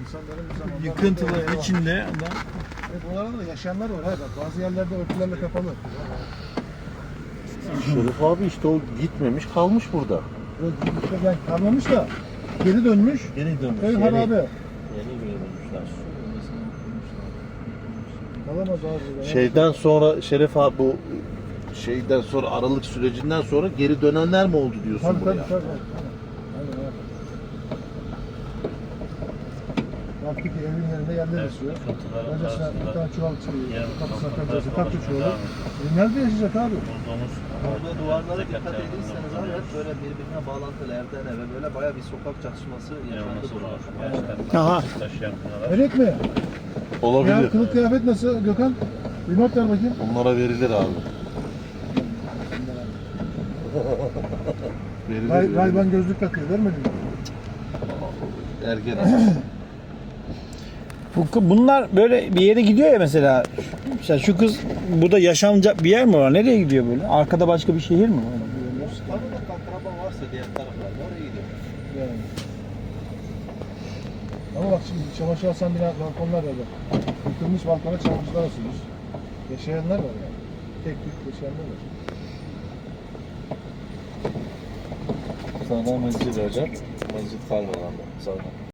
insanların bir zamanlar Yıkıntıların içinde adam. Buralarda da yaşayanlar var. Hayır, bak, bazı yerlerde örtülerle kapalı. Şerif abi işte o gitmemiş kalmış burada. İşte yani kalmamış da geri dönmüş. Geri dönmüş. Köy harabe. Yeni dönmüşler. Kalamaz abi. burada. Şeyden sonra Şerif abi bu şeyden sonra aralık sürecinden sonra geri dönenler mi oldu diyorsun Tabii buraya? tabii. Aynen abi. Baktık ki evin yerinde yerler esiyor. Öncesine bir tane çuval çıkıyor. Kapısına penceresi taktı çuvalı. Nerede yaşayacak abi? Burada duvarlara dikkat edirseniz abi hep böyle birbirine bağlantılı evden eve böyle bayağı bir sokak çatışması yaşandı burada. Aha. Melek mi? Olabilir. Ya kılık kıyafet nasıl Gökhan? Bir not ver bakayım. Onlara verilir abi. verilir. Rayban gözlük takıyor. Vermedin mi? Ergen. Bunlar böyle bir yere gidiyor ya mesela. Mesela şu kız burada yaşanacak bir yer mi var? Nereye gidiyor böyle? Arkada başka bir şehir mi var? Tanıdık akraba varsa diğer taraflarda oraya gidiyor. Yani. Ama bak şimdi çamaşır asan bile balkonlar var bak. Yıkılmış balkona çamaşırlar asılmış. Yaşayanlar var yani. Tek tük yaşayanlar var. Sonra mescid hocam. Mescid kalmadan da sonra.